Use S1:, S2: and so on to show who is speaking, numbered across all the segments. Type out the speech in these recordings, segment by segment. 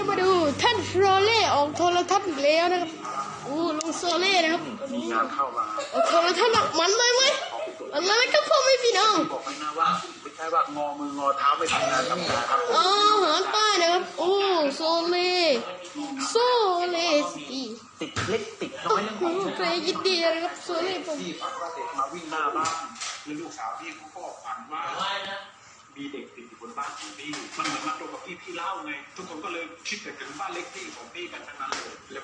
S1: จะมาดูท่านโซเล่ออกโทรทัศน์อีกแล้วนะครับโอ้ลุงโซเล่นะครับ
S2: มีงานเข้ามา
S1: ออกโทรทัศน์หนักมันเลยไหมอะไรครับพ่อไม่พี่น้อง
S2: บอกให้นะว่าไม่ใช่ว่างอมืองอเท้าไม่ทำงานทำการครับ
S1: อ๋อหางใต้นะครับโอ้โซเล่สี
S2: ติดเล็กติดน้อยเรื่องของ
S1: เคยยินดีนะครับโซเล่ผม
S2: พี่ฝันว่าเด็กมาวิ่งหน้าบ้านแล้วลูกสาวพี่เขาก็ฝันว่ามีเด็กติดอยู่บนบ้านของพี่มันเหมือนมาตรงกับพี่เล่าไงทุกคนก็เลยคิดแต่ถึงบ้านเล็กที่ของพี่กันทั้งนั้นเลยแล้ว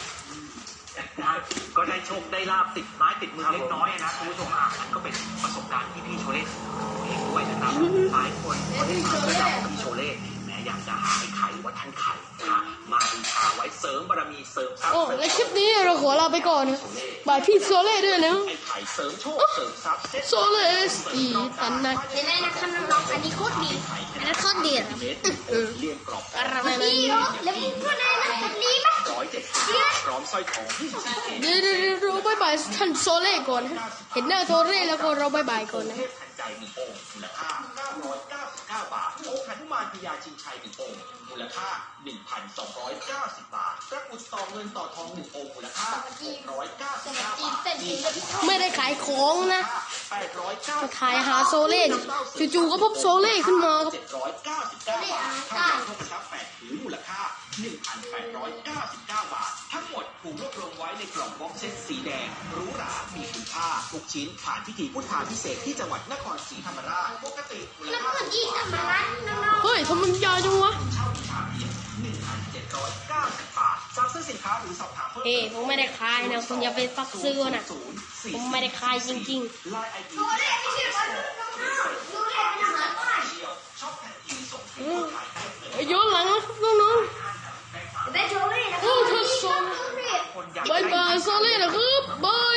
S2: ก็ได้โชคได้ลาบติดไม้ติดมือเล็กน้อยนะคุณผู้ชมมันก็เป็นประสบการณ์ที่พี่โชเล่เองด้วยนะครับหลายคนก็ได้มาเพื่อจากพี่โชเล่แม้อยากจะหาไอ้ไข่ว่าท่านไข่มาบูชาไว้เสริมบารมีเสริมทรัพย์
S1: โอ้และคลิปนี้เราขอลาไปก่อนนะบายพี่โซเล่ด้วยนะ
S2: ไอ้ไข่เสริมโชคเสริมทรัพย์
S1: โซเล่สีตันนะ
S3: เห็นไหมนะครับน้องๆอันนี้โคตรดีอันนั้นโคตรดีครับ
S2: เรียงกรอบ
S1: อะไรนะ
S3: ดีเหรอแล้วมึงพูดอะไรนะมันดีไหม
S2: พร้อมสร้อยทอง
S1: เดี๋ยวเราบายบายท่านโซเล่ก่อนนะเห็นหน้าโซเล่แล้วก็เราบายบายก่อนนะ
S2: เทพทันใจ1องค์มูลค่า999 บาทองค์หนุมานพญาชิงชัย1องค์มูลค่า 1,290 บาทพระกุศลเงินต่อทอง1องค์มูลค่า699 บาท
S1: ไม่ได้ขายของนะ
S2: 899
S1: มาถ่ายหาโซเล่จู่ๆก็พบโซเล่ขึ้นมาครับ
S2: 799 บาททองคำทองคำ8ผืนมูลค่า 1,899 บาททั้งหมดถูกรวบรวมไว้ในกล่องบ็อกเซตสีแดงหรูหรามีคุณค่าทุกชิ้นผ่านพิธีพุทธาภิเษกที่จังหวัดนครศรีธรรมราชปกติมูล
S3: แล้ว
S2: ค่า
S3: เมื่อกี้ทำอะไรน้อง
S1: เฮ้ยทำไมมันยาวจังวะ
S2: เช่าบูชาเพียง 1,790 บาทสั่งซื้อสินค้าหรือสอบถามเพิ่ม
S1: เฮ้ยผมไม่ได้ขายนะคุณอย่าไปฟักซื้อนะผมไม่ได้ขายจริง
S2: ไลน์ไอดี
S3: ๆตัวเล็กไม่ใช่คนน้องๆดูเล็กเป็นอาหารใต้
S2: ชอบแผ่นทีส่ง
S1: ๆย้อนหลังนะครับน้อง
S3: ได้โชว์เลยนะ
S1: ๆโอ้ท่านโซ
S3: โชว์เลย
S2: คนอยาก
S1: บายบายโซเล่นะครับบาย